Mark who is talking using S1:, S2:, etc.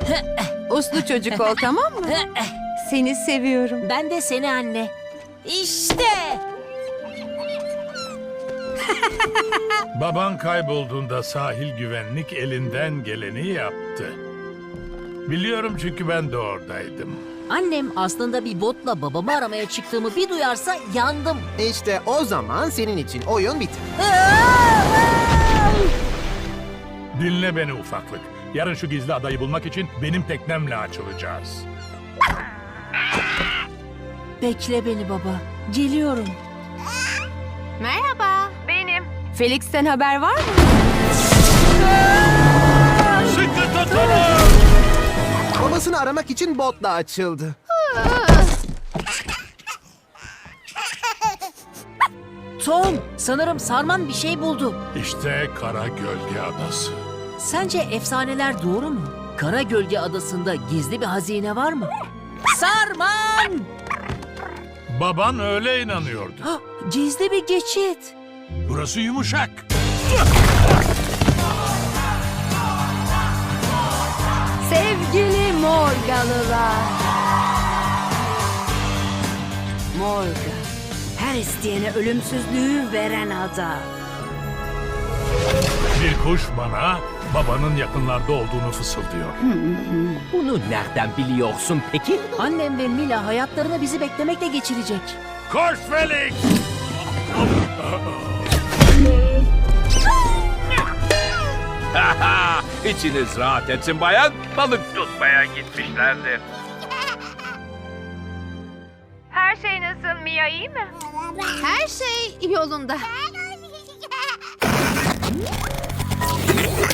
S1: Uslu çocuk ol, tamam mı? Seni seviyorum.
S2: Ben de seni anne. İşte.
S3: Baban kaybolduğunda sahil güvenlik elinden geleni yaptı. Biliyorum çünkü ben de oradaydım.
S2: Annem aslında bir botla babamı aramaya çıktığımı bir duyarsa yandım.
S4: İşte o zaman senin için oyun biter.
S3: Dinle beni ufaklık. Yarın şu gizli adayı bulmak için benim teknemle açılacağız.
S2: Bekle beni baba. Geliyorum.
S1: Merhaba. Benim. Felix'ten haber var mı?
S3: Sıkı tutunun!
S4: Babasını aramak için botla açıldı.
S2: Tom, sanırım Sarman bir şey buldu.
S3: İşte Kara Gölge Adası.
S2: Sence efsaneler doğru mu? Kara Gölge Adası'nda gizli bir hazine var mı? Sarman!
S3: Baban öyle inanıyordu.
S2: Hah, gizli bir geçit.
S3: Burası yumuşak.
S1: Sevgili Morgalılar. Morga. Her isteyene ölümsüzlüğü veren ada.
S3: Bir kuş bana babanın yakınlarda olduğunu fısıldıyor.
S5: Bunu nereden biliyorsun peki?
S2: Annem ve Mila hayatlarını bizi beklemekle geçirecek.
S3: Koş Felix!
S5: İçiniz rahat etsin bayan. Balık tutmaya gitmişlerdir.
S6: Her şey nasıl Mia, iyi mi?
S1: Her şey yolunda.